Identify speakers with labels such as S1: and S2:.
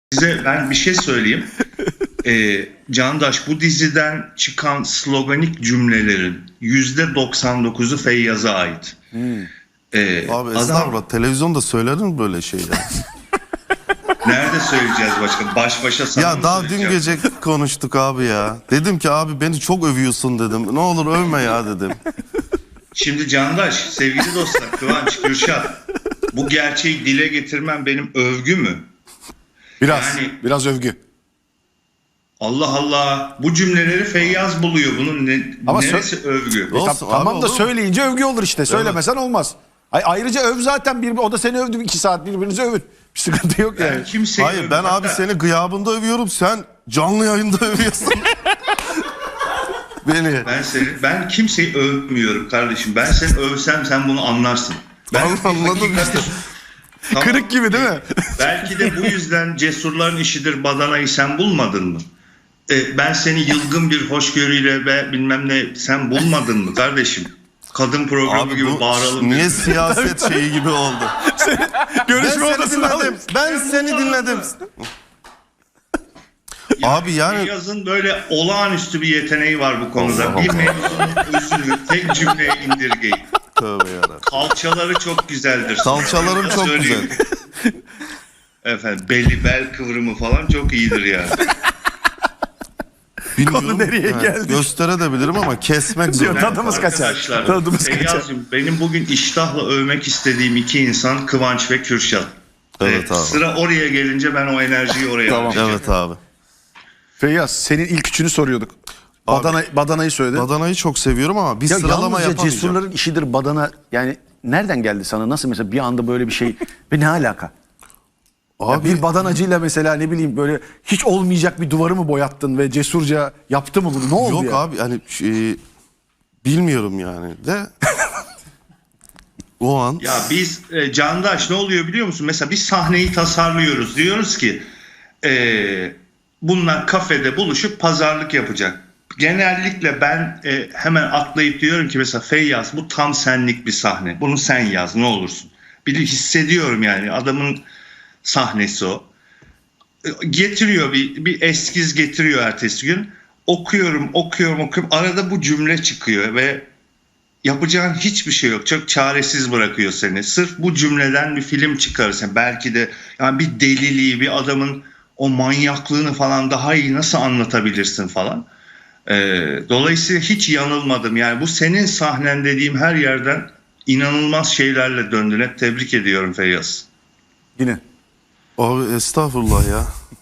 S1: Size ben bir şey söyleyeyim. Candaş, bu diziden çıkan sloganik cümlelerin %99'u Feyyaz'a ait.
S2: Abi estağfurullah, televizyonda söylenir mi böyle şeyler?
S1: Nerede söyleyeceğiz başka? Baş başa sana
S2: Ya
S1: mı
S2: daha dün
S1: söyleyeceğiz?
S2: gece konuştuk abi ya. Dedim ki abi beni çok övüyorsun dedim. Ne olur övme ya dedim.
S1: Şimdi Candaş, sevgili dostlar, Kıvanç, Kürşat, bu gerçeği dile getirmem benim övgü mü?
S3: Biraz övgü.
S1: Allah Allah, bu cümleleri Feyyaz buluyor. Bunun
S3: Ama
S1: neresi övgü?
S2: Olsun abi,
S3: Tamam da
S2: olur mu?
S3: söyleyince övgü olur işte. Söylemesen olmaz. Ayrıca öv zaten. O da seni övdü. 2 saat birbirinizi övün. Bir sıkıntı yok yani.
S1: Ben kimseyi
S2: Hayır, ben abi seni gıyabında övüyorum. Sen canlı yayında övüyorsun. Beni.
S1: Ben kimseyi övmüyorum kardeşim. Ben seni övsem sen bunu anlarsın.
S2: Anladım işte.
S1: Tamam.
S3: Kırık gibi değil mi?
S1: Belki de bu yüzden cesurların işidir badanayı sen bulmadın mı? Ben seni yılgın bir hoşgörüyle ve bilmem ne sen bulmadın mı kardeşim? Kadın programı
S2: Abi
S1: gibi
S2: bu
S1: bağıralım.
S2: niye siyaset şeyi gibi oldu?
S3: Görüşme
S2: Ben seni
S3: odasına
S2: dinledim.
S3: alayım.
S2: Ben seni dinledim. Abi yani
S1: Feyyaz'ın böyle olağanüstü bir yeteneği var bu konuda.
S2: Allah
S1: Bir
S2: Allah.
S1: mevzunun özünü tek cümleye indirgeyin.
S2: tövbe yarabbim.
S1: Kalçaları çok güzeldir.
S2: Salçalarım
S1: Sana
S2: çok
S1: söyleyeyim. Efendim bel kıvrımı falan çok iyidir yani.
S2: Bilmiyorum.
S3: Konu nereye
S2: Yani
S3: geldi?
S2: gösterebilirim ama kesmek zor.
S3: Diyor, tadımız kaçar.
S1: Arkadaşlar,
S3: Tadımız kaçar.
S1: Feyyaz'cığım, benim bugün iştahla övmek istediğim iki insan Kıvanç ve Kürşat.
S2: Evet abi.
S1: Sıra oraya gelince ben o enerjiyi oraya
S3: Tamam.
S1: harcayacağım.
S2: Evet abi.
S3: Feyyaz, senin ilk üçünü soruyorduk.
S2: Abi,
S3: Badanayı söyledin.
S2: Badanayı çok seviyorum ama bir
S3: Ya
S2: sıralama
S3: yalnızca
S2: yapamayacağım.
S3: cesurların işidir badana. Yani nereden geldi sana? Nasıl mesela bir anda böyle bir şey? Ve ne alaka? Ya
S2: Abi
S3: bir badanacıyla mesela ne bileyim böyle hiç olmayacak bir duvarı mı boyattın ve cesurca yaptı mı bunu? Ne oldu
S2: yok
S3: ya?
S2: abi hani bilmiyorum yani de o an
S1: Ya biz Candaş ne oluyor biliyor musun? Mesela bir sahneyi tasarlıyoruz. Diyoruz ki bunlar kafede buluşup pazarlık yapacak. Genellikle ben hemen atlayıp diyorum ki mesela Feyyaz bu tam senlik bir sahne. Bunu sen yaz ne olursun. Bir hissediyorum yani adamın sahnesi o. Getiriyor bir eskiz getiriyor ertesi gün. Okuyorum. Arada bu cümle çıkıyor ve yapacağın hiçbir şey yok. Çok çaresiz bırakıyor seni. Sırf bu cümleden bir film çıkarırsan belki de yani bir deliliği, bir adamın o manyaklığını falan daha iyi nasıl anlatabilirsin falan. Dolayısıyla hiç yanılmadım. Yani bu senin sahnen dediğim her yerden inanılmaz şeylerle döndün. Hep tebrik ediyorum Feyyaz.
S3: Yine.
S2: abi estağfurullah ya.